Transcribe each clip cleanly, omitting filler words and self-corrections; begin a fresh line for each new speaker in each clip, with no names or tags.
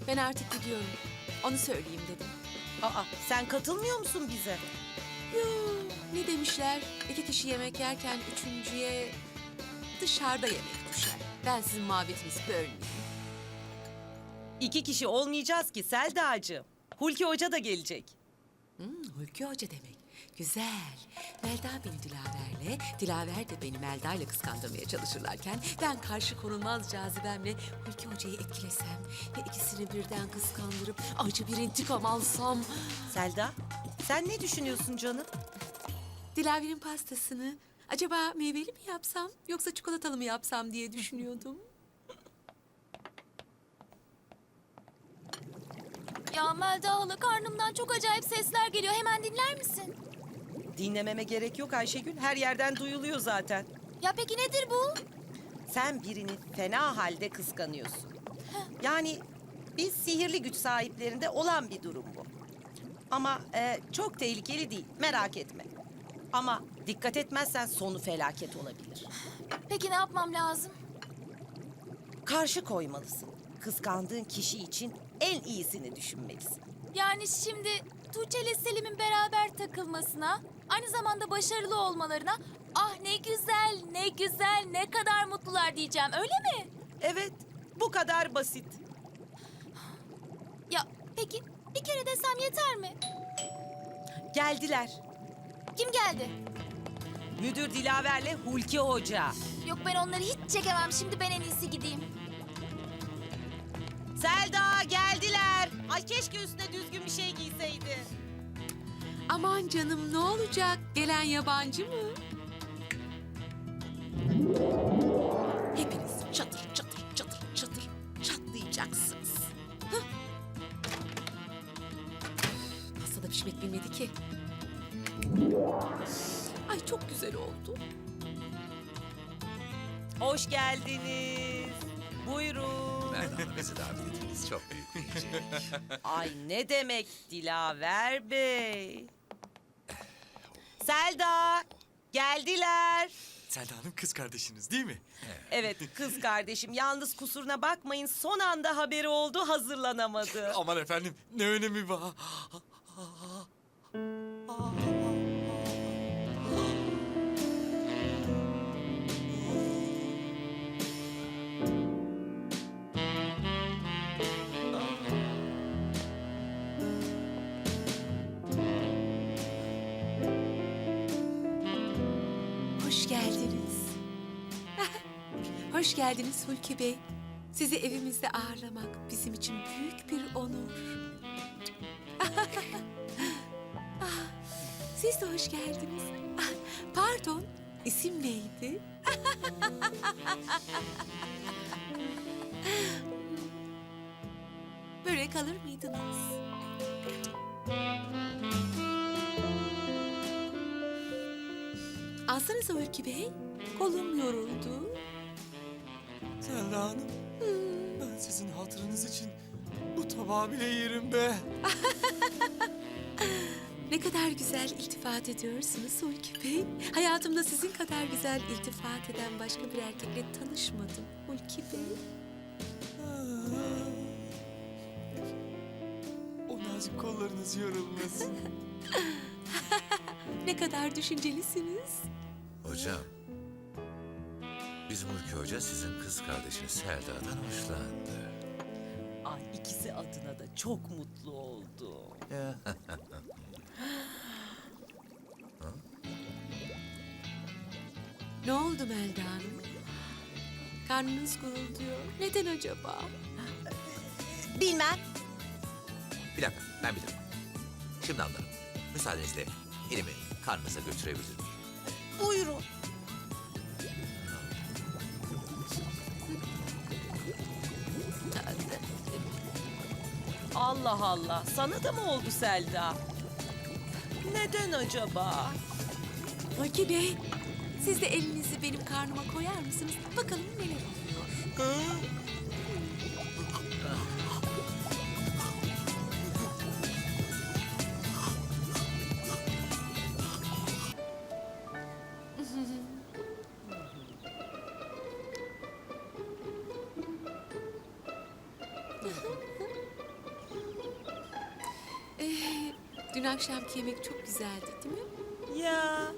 Ben artık gidiyorum. Onu söyleyeyim dedim.
Aa, sen katılmıyor musun bize?
Yoo, ne demişler? 2 kişi yemek yerken üçüncüye dışarıda yemek düşer. Ben sizin muhabbetinizi bölmeyeyim.
2 kişi olmayacağız ki Selda'cığım. Hulki Hoca da gelecek.
Hulki Hoca demek. Güzel. Melda beni Dilaver'le, Dilaver de beni Melda ile kıskandırmaya çalışırlarken ben karşı konulmaz cazibemle Hulki Hoca'yı etkilesem ve ikisini birden kıskandırıp acı bir intikam alsam.
Selda, sen ne düşünüyorsun canım?
Dilaver'in pastasını acaba meyveli mi yapsam yoksa çikolatalı mı yapsam diye düşünüyordum.
Ya Melda hala karnımdan çok acayip sesler geliyor. Hemen dinler misin?
Dinlememe gerek yok Ayşegül. Her yerden duyuluyor zaten.
Ya peki nedir bu?
Sen birini fena halde kıskanıyorsun. Yani biz sihirli güç sahiplerinde olan bir durum bu. Ama çok tehlikeli değil, merak etme. Ama dikkat etmezsen sonu felaket olabilir.
Peki ne yapmam lazım?
Karşı koymalısın. Kıskandığın kişi için en iyisini düşünmelisin.
Yani şimdi Tuğçe ile Selim'in beraber takılmasına, aynı zamanda başarılı olmalarına ah ne güzel, ne güzel, ne kadar mutlular diyeceğim öyle mi?
Evet, bu kadar basit.
Ya peki bir kere desem yeter mi?
Geldiler.
Kim geldi?
Müdür Dilaver'le Hulki Hoca.
Yok ben onları hiç çekemem. Şimdi ben en iyisi gideyim.
Selda geldiler. Ay keşke üstüne düzgün bir şey giyseydi.
Aman canım ne olacak? Gelen yabancı mı? Hepiniz çatır çatır çatır çatır çatlayacaksınız. Hah. Masada pişmek bilmedi ki. Ay çok güzel oldu.
Hoş geldiniz. Buyurun.
Merhaba, bizi davet ettiniz. Çok büyük bir incelik.
Ay ne demek Dilaver Bey. Selda geldiler.
Selda Hanım kız kardeşiniz değil mi?
Evet kız kardeşim yalnız kusuruna bakmayın son anda haberi oldu hazırlanamadı.
Aman efendim ne önemi var?
Hoş geldiniz. Hoş geldiniz Hulki Bey. Sizi evimizde ağırlamak bizim için büyük bir onur. Ah, siz de hoş geldiniz. Ah, pardon, isim neydi? Börek alır mıydınız? Alsanıza Hulki Bey. Kolum yoruldu.
Selda Hanım ben sizin hatırınız için bu tabağı bile yerim be.
Ne kadar güzel iltifat ediyorsunuz Hulki Bey. Hayatımda sizin kadar güzel iltifat eden başka bir erkekle tanışmadım Hulki Bey.
O nazik kollarınız yorulmasın.
Ne kadar düşüncelisiniz.
Hocam, bizim Hulki Hoca sizin kız kardeşiniz Selda'dan hoşlandı.
Ay ikisi adına da çok mutlu oldum.
Ne oldu Melda Hanım? Karnınız gurulduyor. Neden acaba?
Bilmem.
Bir dakika, ben bilirim. Şimdi anlarım. Müsaadenizle elimi karnınıza götürebilir miyim?
Buyurun. Allah Allah sana da mı oldu Selda? Neden acaba?
Hulki Bey, siz de elinizi benim karnıma koyar mısınız? Bakalım neler oluyor. Dün akşamki yemek çok güzeldi değil mi?
Ya.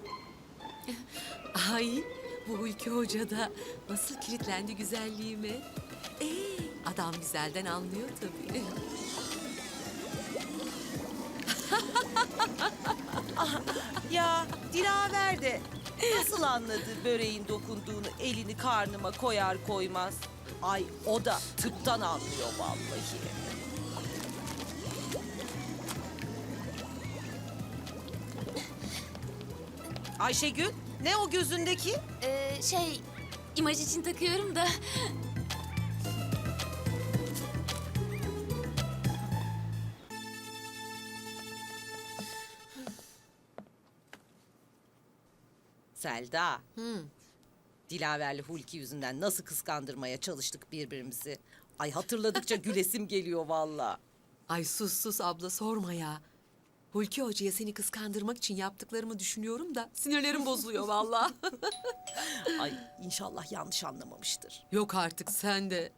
Ay, bu Hulki Hoca da nasıl kilitlendi güzelliğime. Adam güzelden anlıyor tabii.
Ya Dilaver de nasıl anladı böreğin dokunduğunu elini karnıma koyar koymaz. Ay o da tıptan anlıyor vallahi. Ayşegül ne o gözündeki?
İmaj için takıyorum da.
Selda. Dilaver'le Hulki yüzünden nasıl kıskandırmaya çalıştık birbirimizi. Ay hatırladıkça gülesim geliyor vallahi.
Ay sus abla sorma ya. Hulki Hoca'ya seni kıskandırmak için yaptıklarımı düşünüyorum da sinirlerim bozuluyor vallahi.
Ay inşallah yanlış anlamamıştır.
Yok artık sen de.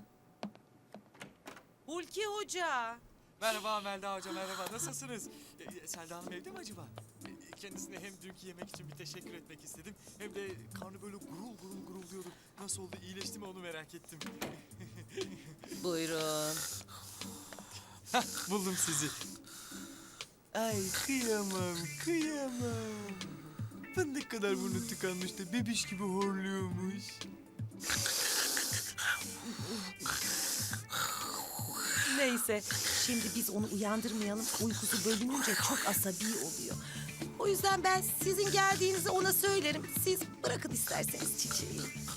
Hulki Hoca.
Merhaba Melda Hoca, merhaba. Nasılsınız? Selda Hanım evde mi acaba? Kendisine hem dünkü yemek için bir teşekkür etmek istedim. Hem de karnı böyle gurul gurul gurulduyordu. Nasıl oldu, iyileşti mi onu merak ettim.
Buyurun.
Buldum sizi. Ay kıyamam, kıyamam. Fındık kadar burnu tıkanmış da bebiş gibi horluyormuş.
Neyse şimdi biz onu uyandırmayalım. Uykusu bölününce çok asabi oluyor. O yüzden ben sizin geldiğinizi ona söylerim. Siz bırakın isterseniz çiçeği.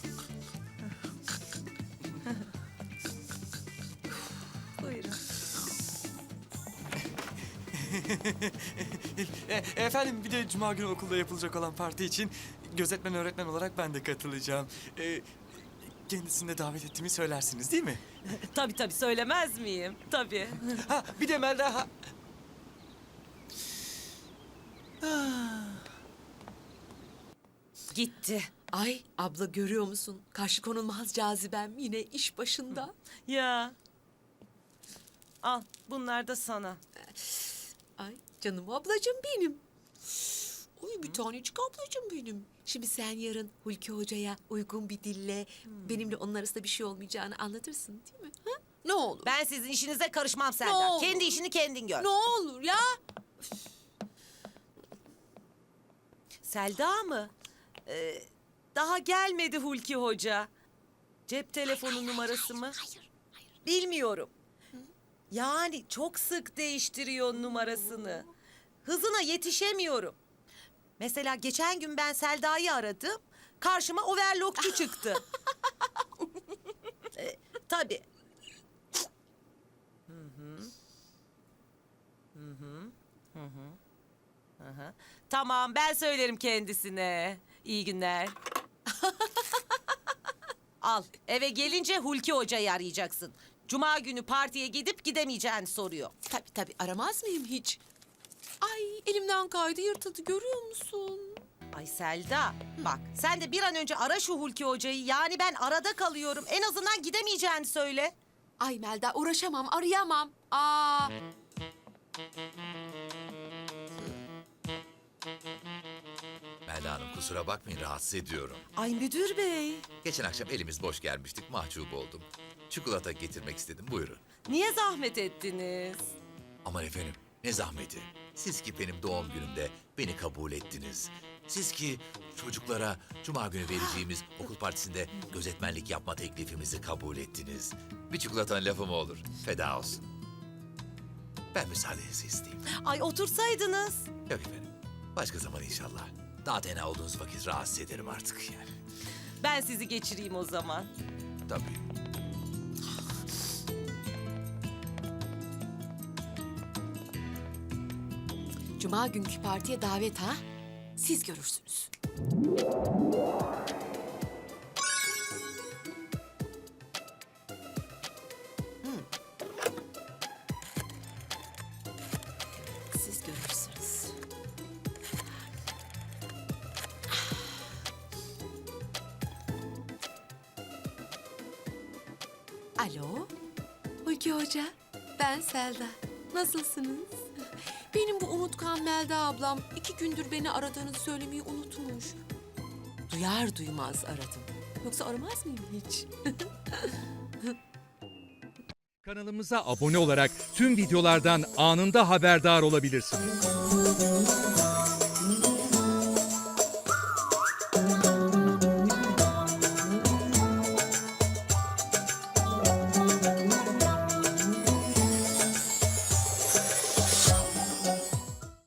Buyurun.
Efendim bir de cuma günü okulda yapılacak olan parti için gözetmen öğretmen olarak ben de katılacağım. Kendisini de davet ettiğimi söylersiniz değil mi?
Tabii söylemez miyim? Tabii.
Ha bir de Melda...
Gitti.
Ay abla görüyor musun? Karşı konulmaz cazibem yine iş başında.
Ya. Al bunlar da sana.
Ay canım ablacığım benim. Oy bir tanecik ablacığım benim. Şimdi sen yarın Hulki Hoca'ya uygun bir dille benimle onun arasında bir şey olmayacağını anlatırsın değil mi? Ha? Ne olur.
Ben sizin işinize karışmam
Ne
Selda.
olur.
Kendi işini kendin gör.
Ne olur ya.
Selda mı? Daha gelmedi Hulki Hoca. Cep telefonu numarası mı?
Hayır.
Bilmiyorum. Yani çok sık değiştiriyor numarasını. Hızına yetişemiyorum. Mesela geçen gün ben Selda'yı aradım. Karşıma overlockçu çıktı. Tabii. Hı hı. Tamam ben söylerim kendisine. İyi günler. Al eve gelince Hulki Hoca'yı arayacaksın. Cuma günü partiye gidip gidemeyeceğini soruyor.
Tabii aramaz mıyım hiç? Ay elimden kaydı yırtıldı görüyor musun?
Ay Selda bak sen de bir an önce ara şu Hulki Hoca'yı. Yani ben arada kalıyorum. En azından gidemeyeceğini söyle.
Ay Melda uğraşamam arayamam. Aa.
Melda Hanım kusura bakmayın rahatsız ediyorum.
Ay müdür bey.
Geçen akşam elimiz boş gelmiştik mahcup oldum. Çikolata getirmek istedim buyurun.
Niye zahmet ettiniz?
Aman efendim ne zahmeti. Siz ki benim doğum günümde beni kabul ettiniz. Siz ki çocuklara cuma günü vereceğimiz okul partisinde gözetmenlik yapma teklifimizi kabul ettiniz. Bir çikolatanın lafı mı olur? Feda olsun. Ben müsaadenizi isteyeyim.
Ay otursaydınız.
Yok efendim. Başka zaman inşallah. Daha tenha olduğunuz vakit rahatsız ederim artık yani.
Ben sizi geçireyim o zaman.
Tabii.
Cuma günkü partiye davet ha? Siz görürsünüz. Siz görürsünüz. Alo, Hulki Hoca, ben Selda. Nasılsınız? Benim bu unutkan Melda ablam 2 gündür beni aradığını söylemeyi unutmuş. Duyar duymaz aradım. Yoksa aramaz mıyım hiç?
Kanalımıza abone olarak tüm videolardan anında haberdar olabilirsiniz.